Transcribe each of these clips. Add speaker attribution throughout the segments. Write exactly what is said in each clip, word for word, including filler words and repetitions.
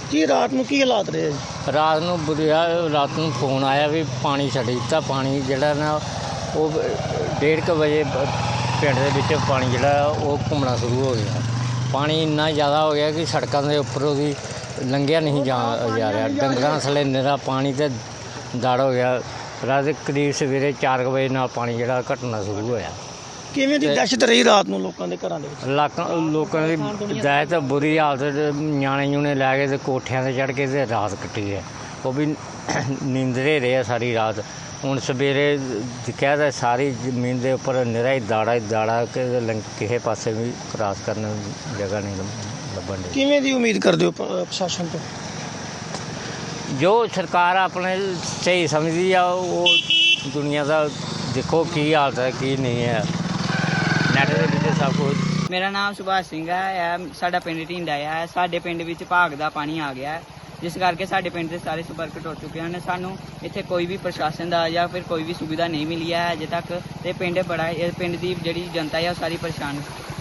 Speaker 1: ਕੀ ਰਾਤ ਨੂੰ ਕੀ ਹਾਲਾਤ ਰਹੇ ਜੀ?
Speaker 2: ਰਾਤ ਨੂੰ ਬੁਰੀਆ ਰਾਤ ਨੂੰ ਫੋਨ ਆਇਆ ਵੀ ਪਾਣੀ ਛੱਡ ਦਿੱਤਾ। ਪਾਣੀ ਜਿਹੜਾ ਨਾ ਉਹ ਡੇਢ ਕੁ ਵਜੇ ਪਿੰਡ ਦੇ ਵਿੱਚ ਪਾਣੀ ਜਿਹੜਾ ਉਹ ਘੁੰਮਣਾ ਸ਼ੁਰੂ ਹੋ ਗਿਆ। ਪਾਣੀ ਇੰਨਾ ਜ਼ਿਆਦਾ ਹੋ ਗਿਆ ਕਿ ਸੜਕਾਂ ਦੇ ਉੱਪਰ ਉਹਦੀ ਲੰਘਿਆ ਨਹੀਂ ਜਾ ਜਾ ਰਿਹਾ। ਡੰਗਰਾਂ ਥੱਲੇ ਨਿਰਾ ਪਾਣੀ ਤੇ ਦੜ ਹੋ ਗਿਆ। ਰਾਤ ਦੇ ਕਰੀਬ ਸਵੇਰੇ ਚਾਰ ਕੁ ਵਜੇ ਨਾਲ ਪਾਣੀ ਜਿਹੜਾ ਘਟਣਾ ਸ਼ੁਰੂ ਹੋਇਆ।
Speaker 1: ਕਿਵੇਂ ਦੀ ਦਹਿਸ਼ਤ ਰਹੀ ਰਾਤ ਨੂੰ ਲੋਕਾਂ ਦੇ ਘਰਾਂ ਦੇ ਵਿੱਚ?
Speaker 2: ਇਲਾਕਾ ਲੋਕਾਂ ਦੀ ਦਾਇਤ ਬੁਰੀ ਹਾਲਤ, ਨਿਆਣੇ ਨਿਊਣੇ ਲੈ ਕੇ ਤੇ ਕੋਠਿਆਂ 'ਤੇ ਚੜ੍ਹ ਕੇ ਤੇ ਰਾਤ ਕੱਟੀ ਹੈ। ਉਹ ਵੀ ਨੀਂਦਰੇ ਰਹੇ ਸਾਰੀ ਰਾਤ। ਹੁਣ ਸਵੇਰੇ ਦਿਖਿਆ ਤਾਂ ਸਾਰੀ ਜ਼ਮੀਨ ਦੇ ਉੱਪਰ ਨਿਰਾ ਹੀ ਦਾੜਾ ਹੀ ਦਾੜਾ ਕਿ ਲੰਘ ਕਿਸੇ ਪਾਸੇ ਵੀ ਕ੍ਰਾਸ ਕਰਨ ਦੀ ਜਗ੍ਹਾ ਨਹੀਂ ਲੱਭਣ ਦੀ।
Speaker 1: ਕਿਵੇਂ ਦੀ ਉਮੀਦ ਕਰਦੇ ਹੋ ਪ- ਪ੍ਰਸ਼ਾਸਨ ਤੋਂ?
Speaker 2: ਜੋ ਸਰਕਾਰ ਆਪਣੇ ਸਹੀ ਸਮਝਦੀ ਆ ਉਹ ਦੁਨੀਆ ਦਾ ਦੇਖੋ ਕੀ ਹਾਲਤ ਹੈ ਕੀ ਨਹੀਂ ਹੈ। ਨੈੱਟ ਦੇ ਵਿੱਚ ਸਭ ਕੁਝ।
Speaker 3: ਮੇਰਾ ਨਾਮ ਸੁਭਾਸ਼ ਸਿੰਘ ਹੈ। ਇਹ ਸਾਡਾ ਪਿੰਡ ਢੀਂਡਾ ਹੈ। ਸਾਡੇ ਪਿੰਡ ਵਿੱਚ ਭਾਗ ਦਾ ਪਾਣੀ ਆ ਗਿਆ ਹੈ, ਜਿਸ ਕਰਕੇ ਸਾਡੇ ਪਿੰਡ ਦੇ ਸਾਰੇ ਸੰਪਰਕ ਟੁੱਟ ਚੁੱਕੇ ਹਨ। ਸਾਨੂੰ ਇੱਥੇ ਕੋਈ ਵੀ ਪ੍ਰਸ਼ਾਸਨ ਦਾ ਜਾਂ ਫਿਰ ਕੋਈ ਵੀ ਸੁਵਿਧਾ ਨਹੀਂ ਮਿਲੀ ਹੈ ਅਜੇ ਤੱਕ। ਤੇ ਪਿੰਡ ਬੜਾ ਇਹ ਪਿੰਡ ਦੀ ਜਿਹੜੀ ਜਨਤਾ ਹੈ ਉਹ ਸਾਰੀ ਪਰੇਸ਼ਾਨ।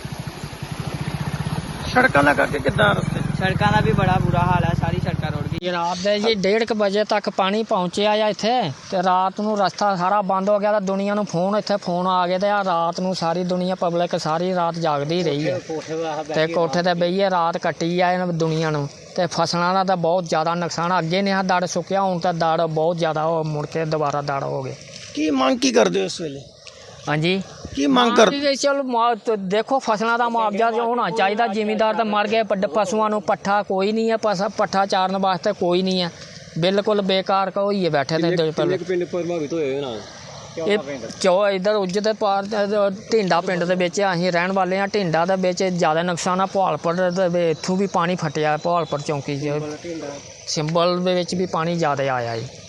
Speaker 1: ਸੜਕਾਂ ਦਾ ਕਰਕੇ ਕਿੱਦਾਂ ਰਸਤੇ?
Speaker 3: ਸੜਕਾਂ ਦਾ ਵੀ ਬੜਾ ਬੁਰਾ ਹਾਲ ਹੈ, ਸਾਰੀ ਸੜਕਾਂ ਰੁੜ ਗਈ।
Speaker 4: ਰਾਤ ਦੇ ਜੀ ਡੇਢ ਕੁ ਵਜੇ ਤੱਕ ਪਾਣੀ ਪਹੁੰਚਿਆ ਆ ਇੱਥੇ, ਤੇ ਰਾਤ ਨੂੰ ਰਸਤਾ ਸਾਰਾ ਬੰਦ ਹੋ ਗਿਆ। ਤਾਂ ਦੁਨੀਆ ਨੂੰ ਫੋਨ ਇੱਥੇ ਫੋਨ ਆ ਗਏ, ਤੇ ਆ ਰਾਤ ਨੂੰ ਸਾਰੀ ਦੁਨੀਆ ਪਬਲਿਕ ਸਾਰੀ ਰਾਤ ਜਾਗਦੀ ਰਹੀ ਹੈ ਤੇ ਕੋਠੇ ਤੇ ਬਈਏ ਰਾਤ ਕੱਟੀ ਆ ਇਹਨਾਂ ਦੁਨੀਆ ਨੂੰ। ਤੇ ਫਸਲਾਂ ਦਾ ਤਾਂ ਬਹੁਤ ਜ਼ਿਆਦਾ ਨੁਕਸਾਨ। ਅੱਗੇ ਨੇ ਆ ਦੜ ਸੁੱਕਿਆ, ਹੁਣ ਤਾਂ ਦੜ ਬਹੁਤ ਜ਼ਿਆਦਾ ਉਹ ਮੁੜ ਕੇ ਦੁਬਾਰਾ ਦੜ ਹੋ ਗਏ।
Speaker 1: ਕੀ ਮੰਗ ਕੀ ਕਰਦੇ ਹੋ ਇਸ ਵੇਲੇ?
Speaker 4: ਹਾਂਜੀ,
Speaker 1: ਕੀ ਮੰਗ ਕਰ?
Speaker 4: ਚਲੋ ਮੁਆ- ਦੇਖੋ ਫਸਲਾਂ ਦਾ ਮੁਆਵਜ਼ਾ ਜੋ ਹੋਣਾ ਚਾਹੀਦਾ। ਜ਼ਿਮੀਂਦਾਰ ਤਾਂ ਮਰ ਗਏ, ਪੱਡ- ਪਸ਼ੂਆਂ ਨੂੰ ਪੱਠਾ ਕੋਈ ਨਹੀਂ ਹੈ, ਪਸ ਪੱਠਾ ਚਾਰਨ ਵਾਸਤੇ ਕੋਈ ਨਹੀਂ ਹੈ। ਬਿਲਕੁਲ ਬੇਕਾਰ ਹੋਈਏ ਬੈਠੇ ਤੇ
Speaker 5: ਪਿੰਡ ਪ੍ਰਭਾਵਿਤ ਹੋਏ ਨਾ
Speaker 4: ਇਹ ਚੋ ਇੱਧਰ ਉੱਜ ਦੇ ਪਾਰ ਢਿੰਡਾ ਪਿੰਡ ਦੇ ਵਿੱਚ ਅਸੀਂ ਰਹਿਣ ਵਾਲੇ ਹਾਂ। ਢਿੰਡਾ ਦੇ ਵਿੱਚ ਜ਼ਿਆਦਾ ਨੁਕਸਾਨ ਆ। ਭਵਾਲਪੁਰ ਦੇ ਇੱਥੋਂ ਵੀ ਪਾਣੀ ਫਟਿਆ। ਭਵਾਲਪੁਰ ਚੌਂਕੀ 'ਚ ਸਿੰਬਲ ਦੇ ਵਿੱਚ ਵੀ ਪਾਣੀ ਜ਼ਿਆਦਾ ਆਇਆ ਜੀ।